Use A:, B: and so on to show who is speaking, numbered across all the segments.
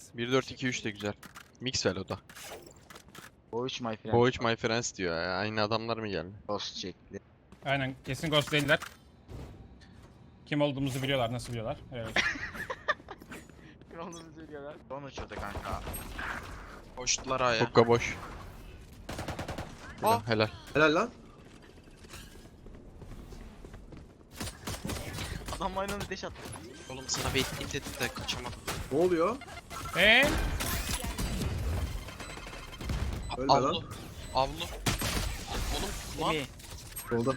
A: 1-4-2-3 de güzel. Mixwell o da.
B: Boğuç my friend.
A: Boğuç my friends diyor ya. Aynı adamlar mı geldi?
B: Ghost çekti.
C: Aynen kesin ghost değiller. Kim olduğumuzu biliyorlar, nasıl biliyorlar? Evet.
B: Kim olduğunu söylüyorlar. Son uçurdu kanka.
D: Koştular aya.
A: Hukka boş. Helal,
D: Ah.
A: helal.
E: Helal lan.
B: Adam aynı anda deş attı.
D: Oğlum sana bekleyeyim dedim de kaçamadım.
E: Ne oluyor? Ölme lan.
D: Avlu. Avlu. Oğlum lan.
B: Emi.
E: Solda.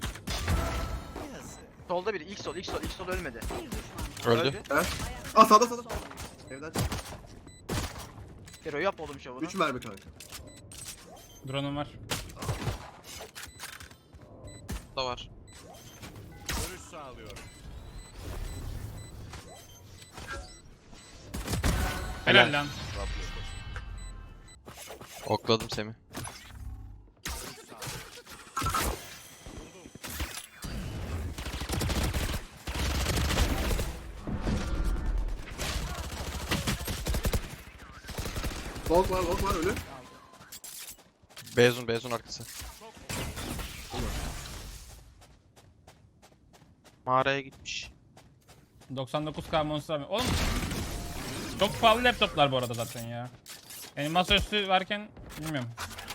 B: Solda biri. İlk sol ölmedi.
A: Öldü.
E: Aa sağda sağda. Evden çık.
B: Hero yap oğlum şovunu.
E: 3 mermi kanka.
C: Drone'um var.
D: Da var.
C: Helal lan.
A: Okladım Semih.
E: Long var ölü.
A: Beyzun arkası.
D: Mağaraya gitmiş.
C: 99k monster mi? Oğlum çok pahalı laptoplar bu arada zaten ya. Yani masaüstü varken bilmiyorum.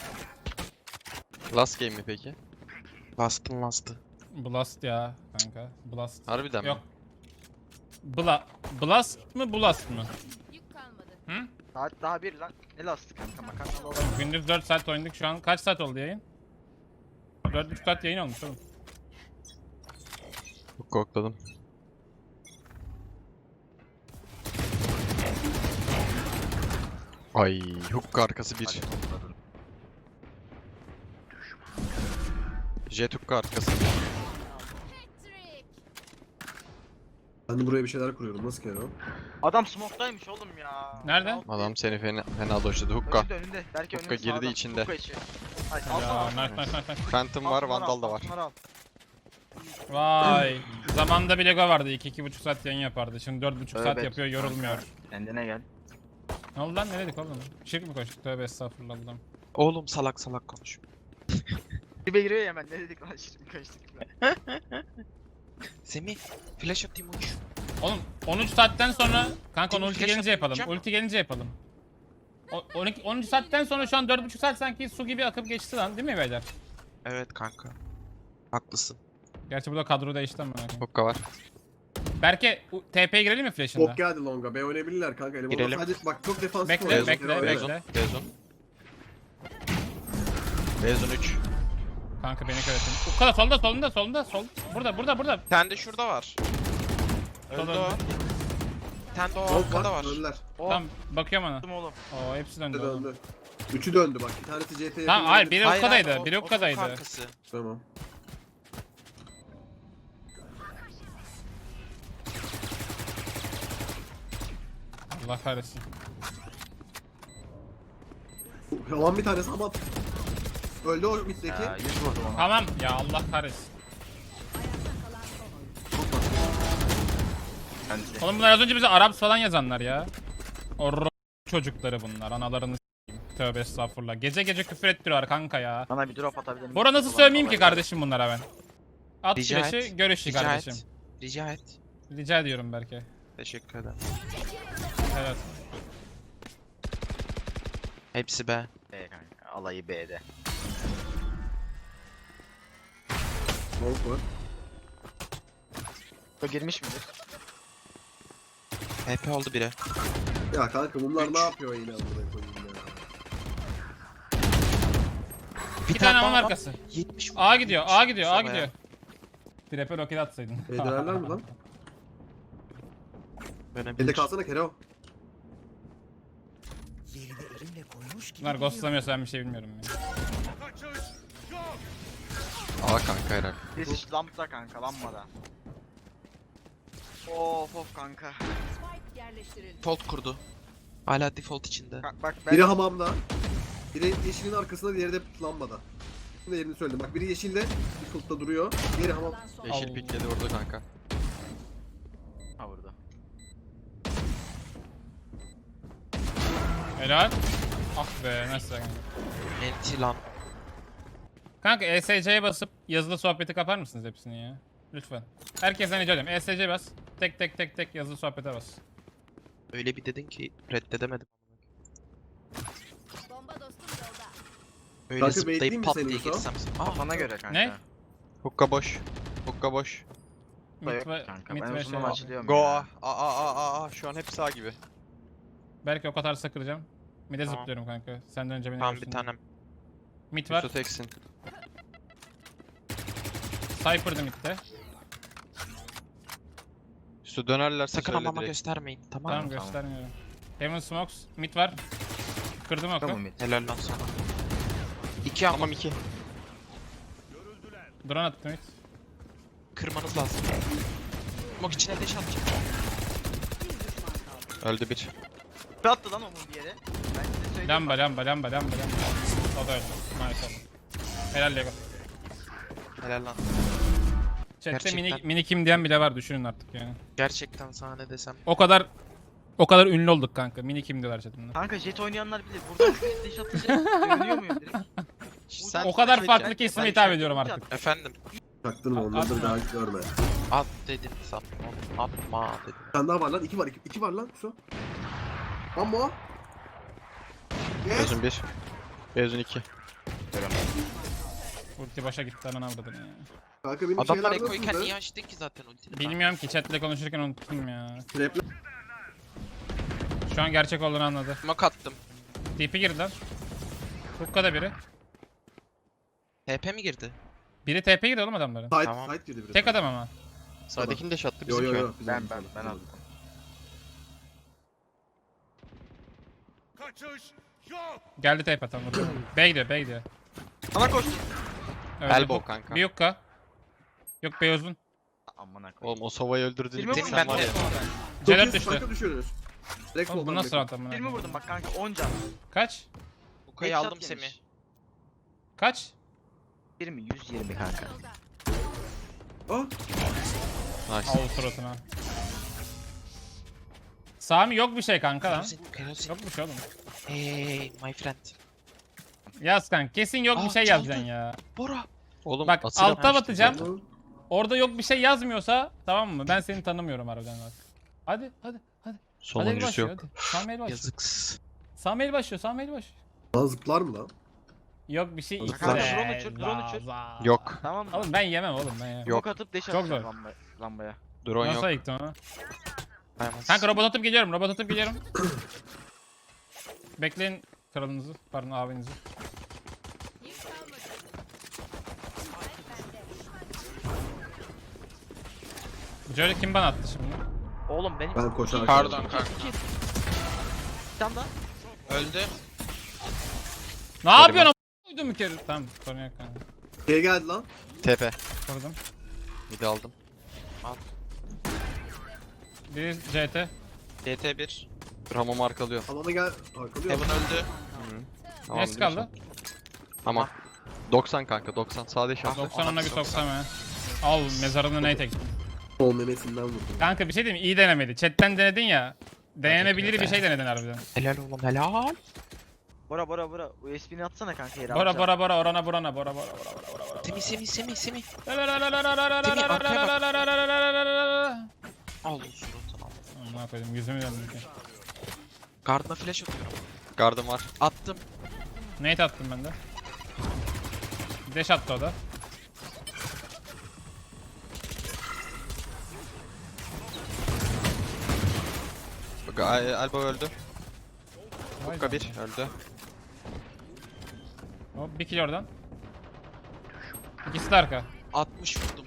A: Last game mi peki?
D: Last'ı.
C: Blast ya kanka. Blast.
A: Harbiden
C: Yok.
A: mi?
C: Blast mı Blast mı?
F: Yük kalmadı.
C: Hı?
B: Saat daha bir lan. Ne lastik kanka makarnalı olan.
C: Gündüz 4 saat oynadık, şu an kaç saat oldu yayın? 4,5 saat yayın olmuş oğlum.
A: Hukka okladım. Ay hukka arkası bir. Jet hukka arkası.
F: Patrick.
E: Ben de buraya bir şeyler kuruyorum. Nasıl kere o?
B: Adam smoke'daymış oğlum ya.
C: Nerede?
A: Adam seni fena doşladı hukka.
B: Önünde. Belki
A: Hukka
B: önünde
A: girdi
B: sağda.
A: içinde.
B: Hukka içi. Hayır
C: Ya
B: alsana.
C: nice.
A: Phantom var, Vandal da var.
C: Vay. Zamanında bir Lego vardı, 2-2,5 saat yayın yapardı. Şimdi 4,5 saat
B: Evet.
C: yapıyor, yorulmuyor.
B: Kendine gel.
C: Ne oldu lan, ne dedik oğlum? Şirk mi koştuk? Tövbe estağfurullah Allah'ım.
D: Oğlum salak konuş.
B: Dibe giriyor ya hemen ne dedik lan şimdi kaçtık.
D: Semih flash atayım uç.
C: Oğlum 13 saatten sonra kanka onu
D: Değil mi?
C: ulti
D: Flash
C: gelince yapalım.
D: atmayacağım.
C: Ulti gelince yapalım. 13 saatten sonra şu an 4,5 saat sanki su gibi akıp geçti lan, değil mi beyler?
D: Evet kanka. Haklısın.
C: Gerçi bu da kadro değişti ama.
A: Hukka var.
C: Berke TP'ye girelim mi flash'ında?
E: Bok geldi longa. B oynayabilirler kanka. Elemanlar
D: Girelim.
E: sadece bak çok defansif
C: Bekle,
E: oynuyor.
C: bekle,
E: Kere
C: bekle.
E: oynuyor.
A: Beyzun 3.
C: Kanka beni köyletin. Ukala solunda. Burada.
D: Bir tane de şurada var.
C: Sol
D: Öldü
C: öldü.
D: o. Bir tane de o
E: Long
D: arkada var.
E: Öldüler.
C: Tamam bakıyorum ona.
B: Attım oğlum.
C: Oo hepsi döndü.
E: Üçü
C: oğlum.
E: döndü. Üçü döndü bak. Bir tanesi CT'ye
C: Tamam hayır biri
D: Hayır,
C: Ukka'daydı.
D: hayır,
C: Biri
D: o
C: Ukka'daydı.
D: kankası.
E: Tamam.
C: Allah kahretsin.
E: Yalan bir tanesi ama öldü o middeki.
B: Ya 100 vurdum ona.
C: Tamam ya Allah kahretsin.
B: Bence.
C: Oğlum bunlar az önce bize Arap falan yazanlar ya. O çocukları bunlar. Analarını s**eyim. Tövbe estağfurullah. Gece gece küfür ettiriyorlar kanka ya.
B: Bana bir drop atabilir misin?
C: Bora nasıl
B: Ulan
C: sövmeyeyim ki
B: kolay
C: kardeşim bunlara ben? At
D: Rica
C: flash'ı
D: et.
C: görüşü
D: Rica
C: kardeşim.
D: et. Rica et.
C: Rica ediyorum Berke.
D: Teşekkür ederim.
C: Evet.
D: Hepsi be.
B: B kanka. Alayı B'de.
E: Long var.
B: Bu girmiş midir?
D: HP oldu biri.
E: Ya kanka bunlar
D: Üç.
E: ne yapıyor yine amına koyayım ya.
C: Bir tane aman arkası.
D: 70
C: A gidiyor.
D: Sabah
C: gidiyor.
D: ya.
C: Trap'e roket atsaydın.
E: Ederler mi lan?
D: Dönebilir.
E: Elde kalsana Kero.
C: Bunlar ghostlamıyorsa ben bir şey bilmiyorum ya.
A: A kanka herhalde.
B: Birisi lambda kanka lambada. Of kanka.
F: Spike yerleştirildi.
D: Default kurdu. Hala default içinde.
B: Bak ben
E: Biri hamamda. Biri yeşilin arkasında, diğeri de lambada. Şimdi yerini söyledim. Bak biri yeşilde, bir kulpta duruyor. Diğeri hamam.
F: Kalan son.
A: Yeşil pikledi vurdu kanka.
B: ha burada.
C: Helal. Ah be nasıl kanka.
D: Enti lan.
C: Kanka ESC'ye basıp yazılı sohbeti kapar mısınız hepsini ya? Lütfen. Herkesten rica ediyorum. ESC bas. Tek tek tek tek yazılı sohbete bas.
D: Öyle bir dedin ki reddedemedim.
F: Bomba dostum yolda.
D: Öyle
E: Kanka bekleyeyim
D: zıplayıp
E: mi
D: pat
E: seni
D: diye
E: Yusuf?
D: girsem.
B: Kafana göre kanka.
C: Ne?
A: Hukka boş. Hukka boş.
B: Da
C: Mid
B: yok
C: ve,
B: kanka.
C: mid
B: Ben
C: ve
B: uzundan
C: şey.
B: açılıyorum
A: Go
B: ya.
A: A. Şu an hepsi A gibi.
C: Belki o kadar sakıracağım. Mid'e
D: Tamam.
C: zıplıyorum kanka. Senden önce beni
D: Tamam
C: görsün.
D: bir tanem.
C: Mid var.
A: Yusuf teksin.
C: Cypher'dı mid'de.
A: Yusuf dönerlerse
D: Sakın
A: söyle
D: ama
A: direkt.
D: göstermeyin. Tamam
C: Tamam
D: mı?
C: göstermiyorum. Heaven Smokes. Mid var. Kırdım oku.
B: Tamam mid.
D: Helal lan sana. 2 ama
A: Tamam 2.
C: Drone attı mid.
D: kırmanız lazım. Smoke içine deş atacağım.
A: Öldü bir.
B: Bir attı lan onun bir yere. Ben size söyleyeyim.
C: Lamba. O da öldü. Maşallah. Helal Lego.
D: Helal lan.
C: Chat'te
D: Gerçekten.
C: mini kim diyen bile var düşünün artık yani.
D: Gerçekten sana ne desem.
C: O kadar ünlü olduk kanka. Mini kim diyorlar chat'inde.
B: Kanka jet oynayanlar bilir. Buradan deş atınca görünüyor muyum direkt?
D: Sen
C: O kadar
D: şey-
C: farklı kesime hitap
B: şey-
C: ediyorum artık.
D: Efendim.
E: Çaktırma onları da bir daha görme.
D: At dedim sana. Atma dedim.
E: Bir tane daha var lan. 2 var. 2 var lan. Su. Lan bu. Yes.
A: Bezun 1. Bezun 2.
C: Ulti başa gitti hemen avradın ya.
E: Kanka benim
D: Adamlar
E: şeyler
D: ekoyken
E: nasıldı?
D: niye açtın ki zaten ultini?
C: Bilmiyorum ki chatle konuşurken unuttum ya.
E: Trapler.
C: Şu an gerçek olduğunu anladı.
D: Smoke attım.
C: TP girdi lan. Hookah'da biri.
D: TP mi girdi?
C: Biri TP girdi oğlum adamların.
E: Side,
D: Tamam.
E: side girdi biraz.
C: Tek adam ama.
A: Sağdakini de şattı
E: Yo
A: bizimki.
E: yo yo.
A: o.
B: Ben aldım.
C: Geldi TP tam. B gidiyor.
B: Sana koştum.
C: Öldü.
A: Elbow kanka.
C: Bir hookah. Yok B uzun.
B: Aman koyayım.
A: Oğlum o Sova'yı öldürdüğünü
B: Filmi
D: Tek
B: vurdum
D: ben
B: ben
D: de.
C: C4 düştü.
E: Kanka düşüyoruz. Direkt
C: Oğlum bu
E: soldan
C: nasıl
E: direkt.
C: round amına?
B: Filmi vurdum bak kanka 10 can.
C: Kaç?
D: Uka'yı
B: Headshot
D: aldım
B: yemiş.
D: Semih.
C: Kaç?
B: 20 120 kanka.
E: Ah.
A: Nice.
C: Al suratına. Sami yok bir şey kanka lan.
D: Kerozin.
C: Yok bir şey oğlum.
D: Hey my friend.
C: Yaz kanka kesin yok bir
D: Aa,
C: şey
D: çaldı.
C: yazacaksın ya.
D: Bora.
A: Oğlum
C: Bak
A: Atilla
C: alta
A: vermişti
C: batacağım.
A: zaten.
C: Orada yok bir şey yazmıyorsa tamam mı? Ben seni tanımıyorum harbiden bak. Hadi. Hadi el
A: Sonuncusu
C: başlıyor
A: yok.
C: hadi. Sami el başlıyor.
D: Yazıksız.
C: Sami el başlıyor.
E: Lan zıplar mı lan?
C: Yok bir şey
E: Kanka,
C: içse.
B: drone uçur, drone uçur.
A: Yok.
B: Tamam mı?
C: Oğlum ben yemem oğlum ben yemem.
A: Yok.
B: Yok atıp deş
C: Çok
B: atacağım
C: zor.
B: lambaya.
A: Drone
C: Nasıl
A: yok.
C: ayıktın onu?
D: Dayanamaz.
C: Kanka robot atıp geliyorum. Bekleyin kralınızı, pardon abinizi.
F: Yük kalmadı.
C: Jolie kim bana attı şimdi?
B: Oğlum benim
E: Ben koşarken.
D: Pardon kanka.
B: bir tane daha.
D: Öldü.
C: Ne yapıyorsun a**? Uydum bir kere. Tamam sorun yok kanka.
E: Şey geldi lan.
A: TP.
C: Vurdum.
A: Midi aldım.
C: Biri CT.
D: DT1.
A: Ramamı arkalıyor.
E: Alana gel. Arkalıyor.
D: Heaven öldü.
A: Tamam,
C: Neyse kaldı?
A: Tamam. 90 kanka 90. Sağda şans.
C: 90 ona bir soksam ya. Al mezarını ney tek.
E: Sol memesinden vurdum.
C: Kanka bir şey diyeyim mi? İyi denemedi. Chatten denedin ya. Denenebilir bir şey denedin harbiden.
D: Helal oğlum helal.
B: Bora. USB'ni atsana kanka yere.
C: Bora orana burana bora.
D: Semih. Al o suratını al.
C: Amına koydum yüzümü döndüm.
D: Gardına flash atıyorum.
A: Gardım var.
D: Attım.
C: Nate attım ben de. Dash attı o da.
A: Elbow öldü.
C: Vay
A: Hukka
C: be.
A: 1 öldü.
C: Hop bir kill oradan. İkisi de arka.
D: 60 vurdum.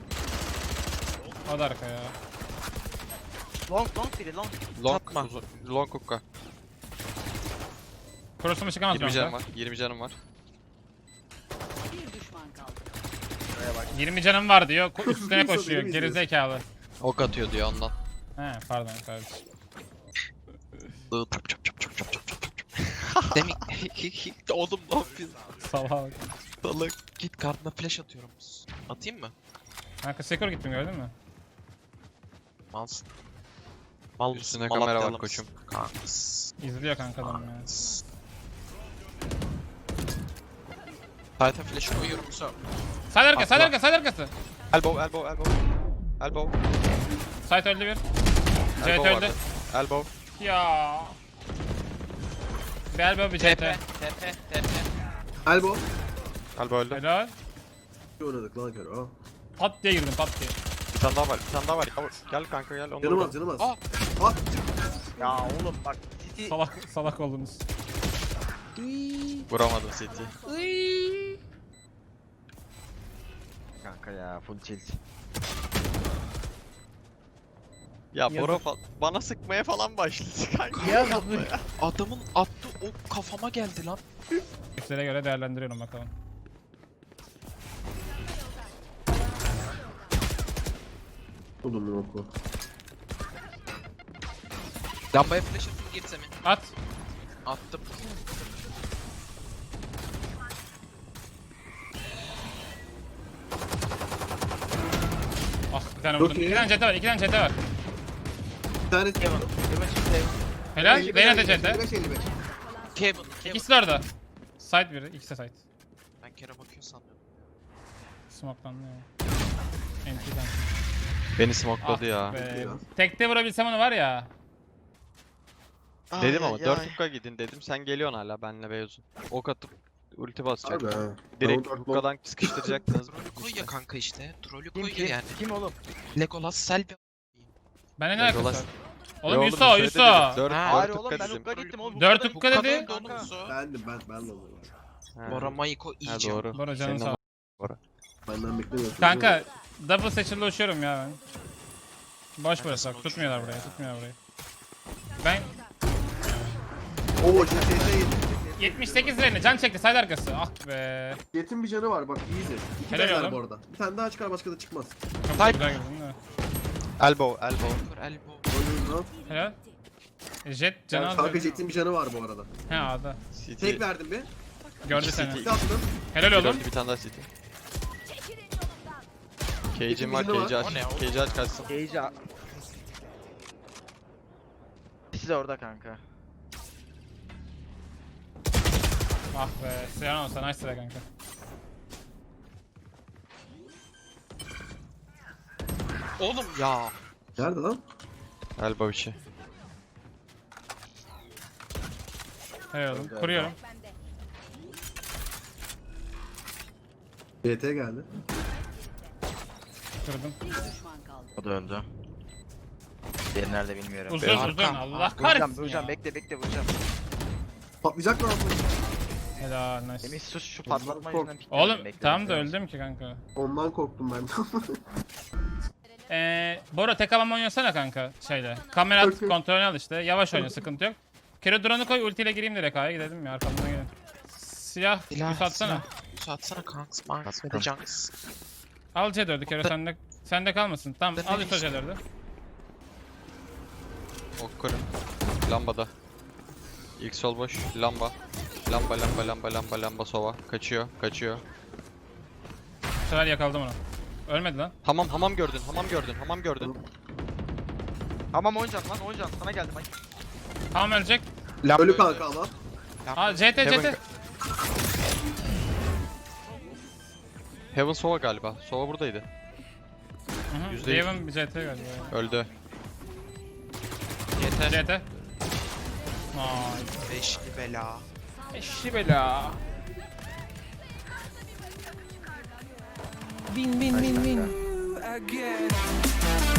C: O da arka ya.
B: Long biri long.
A: Long,
D: Satma.
A: long hukka.
C: Cross'uma çıkamaz
A: 20 canım
C: canım
A: var. 20 canım var.
F: Bir düşman kaldı.
C: 20 canım var diyor. Üstüne
E: Neyse,
C: koşuyor.
E: benim
C: Gerizekalı.
A: Ok atıyor diyor ondan.
C: He pardon kardeşim.
D: Demek oğlum ne yapıyorsun?
C: Salak.
D: Salak. Git gardına flash atıyorum. Atayım mı?
C: Kanka Sekor gittim gördün mü?
D: Malsın. Mal
A: Üstüne
D: mısın?
A: kamera var
D: Malatyalı
A: koçum.
D: mısın? Kanks.
C: İzliyor kanka adam ya.
D: Kanks. Titan flash'ı koyuyorum Musa.
C: Side arkası, side
A: Atla.
C: arkası, side arkası.
A: Elbow, elbow, elbow. Elbow.
C: Side öldü bir. CT
A: Elbow
C: öldü.
A: vardı. Elbow.
C: Ya. Bir elbow bir
D: TP.
C: CT.
D: TP.
E: Elbow.
A: Elbow öldü.
C: Helal.
E: İyi oynadık lan Kero.
C: Pat diye girdim pat diye.
A: Bir tane daha var, bir tane daha var. Gel kanka gel. Onu
E: Canım
A: vur.
E: az canım az.
D: Aa.
E: Ah.
B: Ya oğlum bak City
C: Salak oldunuz.
A: Vuramadım City.
B: kanka ya full tilt.
A: Ya Bora bana sıkmaya falan başladı kanka.
B: Ya
D: Adamın attığı ok kafama geldi lan.
C: Üstlere göre değerlendiriyorum bakalım.
E: Buldum oku.
D: Lambaya flash atın girse mi?
C: At.
D: Attım.
C: Ah bir tane
E: Çok
C: vurdum.
E: iyi.
C: İki tane CT var, iki tane CT var.
E: Bir tane
C: Helal.
E: 55,
C: Reyna da
E: 55,
C: CT.
E: 55, 55.
D: Kevin.
C: İkisi de orada. Side biri, ikisi de side.
D: Ben kere bakıyor sanıyorum.
C: Smoke'landı ya. Entry'den.
A: Beni smokeladı ya.
C: Be. Tekte vurabilsem onu var ya.
A: Dedim ama 4 hukka gidin dedim. Sen geliyorsun hala benle Beyoz'un. Ok atıp ulti basacak.
E: Harbi ha.
A: Direkt
E: Ben o dört
A: hukkadan sıkıştıracaktınız.
D: Trollü koy ya kanka işte. Trollü
B: Kim
D: koy
B: kim?
D: yani.
B: Kim oğlum?
D: Legolas Selvi.
C: Bende ne alakası
A: Legolas.
C: var? Oğlum Yusa, Yusa.
A: 4
D: Ha,
B: Hayır
A: 4
B: oğlum
A: hukka
B: ben
A: dedim.
B: Ukka gittim oğlum.
C: Dört
B: Ukka'da-
C: Ukka
B: Ukka'da
C: dedi.
B: öldü oğlum.
E: Ben de oldum.
A: Ha.
D: Bora Mayiko
A: Ha
D: iyice.
A: doğru.
C: Bora canın
A: Senin
C: sağ
A: ama-
E: Benden beklemiyorsun.
C: Kanka double satchel'da uçuyorum ya ben. Boş
D: Ben de
C: burası
D: sana
C: bak tutmuyorlar burayı, tutmuyorlar burayı. Ben
E: Oo CT'de
C: 78 lirayla can çekti side arkası. Ah be.
E: Jet'in bir canı var bak easy. İki
C: Helal
E: tane var
C: oğlum.
E: bu arada. Bir tane daha çıkar başka da çıkmaz.
C: Çok
D: Side.
C: güzel girdin de.
A: Elbow, elbow.
D: Kör elbow.
E: Oynuyoruz lan.
C: Helal. Jet canı
E: Kanka
C: aldı.
E: Jet'in bir canı var bu arada.
C: He A'da.
A: City.
E: Tek verdim bir.
C: Gördü
A: İki
C: seni.
A: CT.
E: Bir attım.
C: Helal
A: Bir
C: oğlum.
A: öldü, bir tane daha City. Cage'im var,
E: İkimizin de
A: Cage'i
E: var.
A: aç.
D: O ne o?
A: Cage'i aç kaçsın.
B: Cage'i İkisi de orada kanka.
C: Ah be. Siyan olsa nice sıra kanka.
D: Oğlum ya.
E: Nerede lan?
A: Elbow içi.
C: Helal oğlum. Kuruyorum.
E: CT geldi.
C: Kırdım.
F: Bir düşman kaldı.
B: O da öldü. Diğeri nerede bilmiyorum.
C: Uzun
D: Arkam.
C: uzun. Allah
B: Vuracağım
C: kahretsin
B: vuracağım
C: ya.
B: bekle vuracağım.
E: Patlayacak mı aslında?
C: Helal nice.
B: Semih sus şu patlatma
E: Kork.
B: yüzünden pikledim.
C: Oğlum tamam da öldüm ki kanka.
E: Ondan korktum ben.
C: Bora tek alan oynasana kanka şeyle. Kamera at,
E: Okey.
C: kontrolünü al işte. Yavaş oyna sıkıntı yok. Kero drone'u koy ultiyle gireyim direkt A'ya gidelim ya arkamdan gelin. Silah,
D: Silah,
C: bir atsana.
D: silah. Atsana kanks. Manks ve de junks.
C: Al C4'ü Kero sende kalmasın. Tamam
D: Ben
C: al
D: de
C: Yusa C4'ü.
A: Ok kurun. Lambada. İlk sol boş. Lamba. Lamba sova. Kaçıyor, kaçıyor.
C: Bu sefer yakaladım onu. Ölmedi lan.
A: Hamam gördün, hamam gördün.
B: Tamam oynayacaksın lan oynayacaksın. Sana geldim ay.
C: Tamam ölecek.
E: Ölü kanka ama.
C: Aa CT
A: Heaven-
C: CT.
A: Heaven sova galiba. Sova buradaydı. %100.
C: Raven bir CT galiba.
A: Öldü.
D: Yeter.
C: CT. Nice.
D: Beşli bela.
C: Eşi bela.
B: Bin bin bin bin.
G: again.